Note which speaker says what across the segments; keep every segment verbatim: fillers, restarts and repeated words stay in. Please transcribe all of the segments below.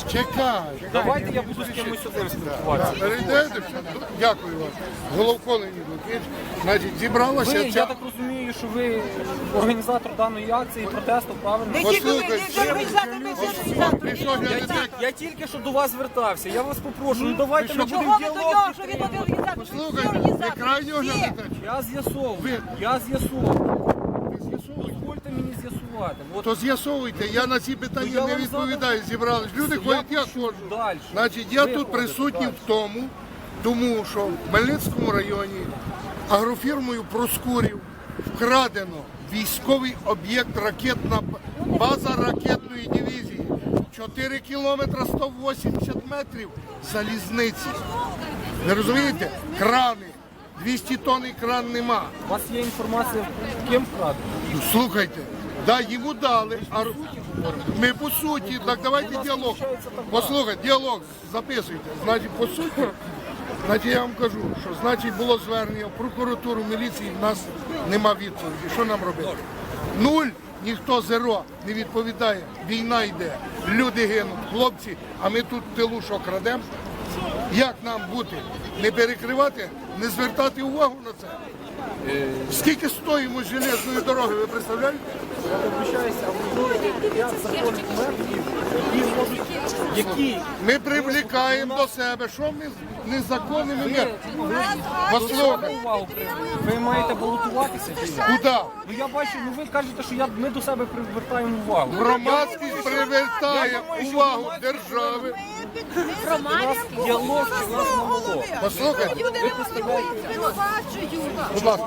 Speaker 1: Чекай.
Speaker 2: Давайте я буду з кимось одним спілкуватися.
Speaker 1: Перейдете? Дякую вам. Головко Леонід Лукич. Значить, зібралася
Speaker 2: Ви,
Speaker 1: ця...
Speaker 2: я так розумію, що ви організатор даної акції, протесту, правильно?
Speaker 3: Не тільки ви, не тільки організатор, ми всі організатори.
Speaker 1: Пішов
Speaker 2: Я,
Speaker 1: глядати.
Speaker 2: ті- я тільки що до вас звертався. Я вас попрошу, ну давайте ми будемо
Speaker 3: Чого ви до
Speaker 2: діалог.
Speaker 3: нього, що він один організатор? Всі
Speaker 1: Слухайте, ви
Speaker 3: організатори.
Speaker 1: крайнього
Speaker 3: Всі.
Speaker 1: глядача.
Speaker 2: Я з'ясовую. Я з'ясовую. Дозвольте мені з'ясувати. От
Speaker 1: То з'ясовуйте, я на ці питання
Speaker 2: Ну, я
Speaker 1: не
Speaker 2: вам
Speaker 1: відповідаю. Зібрались люди,
Speaker 2: я
Speaker 1: ходять, я
Speaker 2: пишу
Speaker 1: ходжу.
Speaker 2: далі.
Speaker 1: Значить, я
Speaker 2: Ви
Speaker 1: тут
Speaker 2: ходите
Speaker 1: присутній
Speaker 2: далі.
Speaker 1: в тому, тому що в Хмельницькому районі агрофірмою Проскурів вкрадено військовий об'єкт, ракетна база ракетної дивізії. чотири кілометри сто вісімдесят метрів залізниці. Ви розумієте? Крани. двісті тонн кран нема.
Speaker 2: у вас є інформація, ким вкрадено?
Speaker 1: Ну, слухайте, да, йому дали, а ми по суті, так давайте діалог. Послухайте, діалог записуйте. Значить, по суті, значить, я вам кажу, що значить було звернення в прокуратуру, міліції, в нас нема відповіді. Що нам робити? Нуль, ніхто зеро не відповідає. Війна йде, люди гинуть, хлопці, а ми тут в тилу що крадемо? Як нам бути? Не перекривати, не звертати увагу на це? Скільки стоїмо железної дороги, ви представляєте?
Speaker 2: Я вибачаюся, а ви знаєте п'ять законних методів, які можуть, які
Speaker 1: Ми привлікаємо до себе, що ми з незаконними методами. Послухайте,
Speaker 2: увагу привернути. Ви маєте балотуватися чи ні?
Speaker 1: куди?
Speaker 2: Ну я бачу, ну ви кажете, що я, ми до себе привертаємо увагу.
Speaker 1: Громадськість привертає увагу держави.
Speaker 2: У нас діалог чи у нас монолог?
Speaker 1: Послухайте,
Speaker 3: Люди звинувачують.
Speaker 1: будь ласка.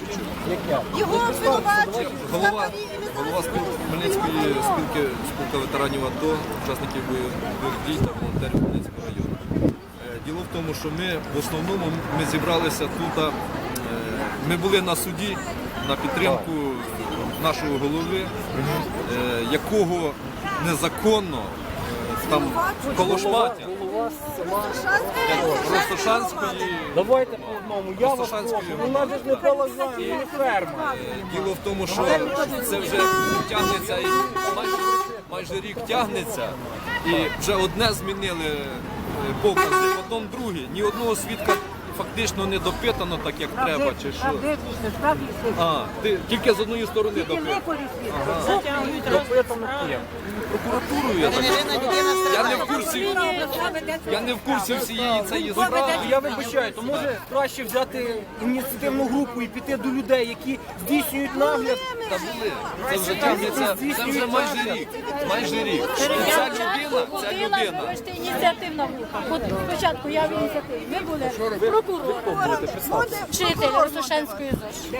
Speaker 3: Його звинувачують.
Speaker 4: Голова, голова спіл- Хмельницької спілки, спілка ветеранів АТО, учасників бойових дій та волонтерів Хмельницького району. Е, Діло в тому, що ми в основному ми зібралися тут. е, Ми були на суді на підтримку нашого голови, е, якого незаконно е, там колошматять.
Speaker 2: Голова села.
Speaker 4: Ростошанської.
Speaker 2: Давайте по одному. Я вас прошу. У нас же ж не балаган, не ферма.
Speaker 4: Діло в тому, що це вже тягнеться і майже, майже рік тягнеться, і вже одне змінили е, покази, потім друге. Ні одного свідка фактично не допитано так, як треба, чи що. А, ти тільки з одної сторони допитано.
Speaker 2: Допитано ким?
Speaker 4: Прокуратурою я так. Я не в курсі. Я не в курсі всієї цієї справи.
Speaker 2: Я вибачаю, то може краще взяти ініціативну групу і піти до людей, які здійснюють нагляд.
Speaker 4: Та були. Це вже тягнеться, це вже майже рік. Майже рік. І ця людина, ця людина.
Speaker 5: Вибачте, ініціативна група. От спочатку я в ініціативі. Ви були прокурор, вчитель Ростошанської ЗОЖ.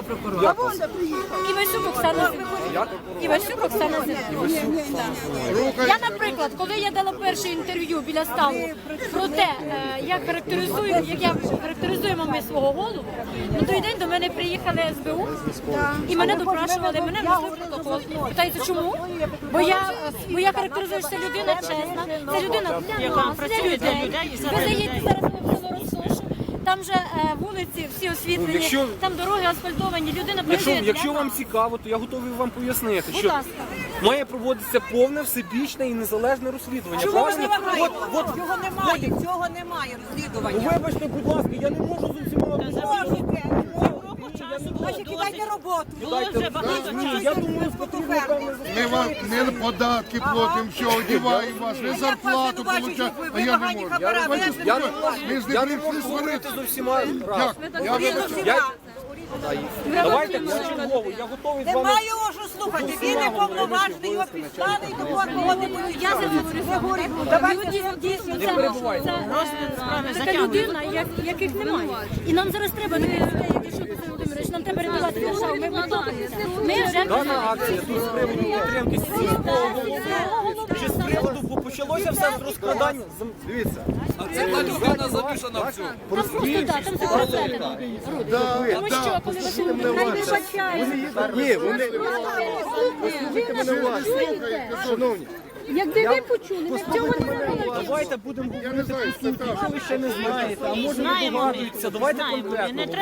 Speaker 5: Івасюк Оксана Зимова. Івасюк Оксана Зимова. Я, наприклад, коли я дала перше інтерв'ю біля ставу про те, е, як характеризуємо, як я характеризуємо ми свого голову, на той день до мене приїхали ес бе у і мене допрашували, мене внесли в протокол. Питається, чому? Бо я, бо я характеризую, що це людина чесна, це людина для нас, для людей. Ви заїдете зараз в село Ростошу, там же е, вулиці всі освітлені,
Speaker 2: Якщо-
Speaker 5: там дороги асфальтовані, людина
Speaker 2: Якщо,
Speaker 5: працює для
Speaker 2: якщо вам
Speaker 5: нас.
Speaker 2: цікаво, то я готовий вам пояснити,
Speaker 5: Будь
Speaker 2: що
Speaker 5: ласка.
Speaker 2: має проводитися повне, всебічне і незалежне розслідування.
Speaker 3: Чого ж
Speaker 2: Правильно?
Speaker 3: немає?
Speaker 2: От, от,
Speaker 3: Цього немає, цього немає
Speaker 2: ну,
Speaker 3: розслідування.
Speaker 2: вибачте, будь ласка, я не можу з усіма
Speaker 3: Можете. Значить, кидайте роботу.
Speaker 2: Ні, я думаю, потрібно певне
Speaker 1: Ми вам не податки платимо, все, одіваємо вас, ви зарплату получаєте, а я не можу. Давайте
Speaker 2: Я не
Speaker 1: спокійно.
Speaker 2: можу,
Speaker 1: Ми ж не
Speaker 2: я не
Speaker 1: прийшли
Speaker 2: можу говорити
Speaker 1: сварити.
Speaker 2: з усіма разом.
Speaker 1: Як? Я вибачаю.
Speaker 2: Я... Давайте почергово, я готовий з вами.
Speaker 3: Немає його що слухати. Він не повноважений, його підстали і того кого не будуть.
Speaker 5: Я за це говорю. Давайте дійсно це,
Speaker 2: перебувайте.
Speaker 5: це така людина, як, яких немає. І нам зараз треба таких людей, як Ішо Петро Володимирович, нам треба рятувати державу. Ми готові. Ми вже
Speaker 2: Дана акція тут з приводу підтримки сільського голови. Чи з приводу, бо почалося все з розкрадання. Зем- Дивіться.
Speaker 4: А це та людина замішана в цьому.
Speaker 5: там просто так, там все розглядано. Тому що, коли ви
Speaker 2: Ні, вони...
Speaker 1: Шановні,
Speaker 5: якби ви почули, ми цього не робили.
Speaker 2: Давайте будемо
Speaker 1: я не
Speaker 2: говорити
Speaker 1: знаю,
Speaker 2: по суті.
Speaker 1: це так.
Speaker 2: Якщо ви ще не знаєте, а може не догадуєтеся, давайте конкретно.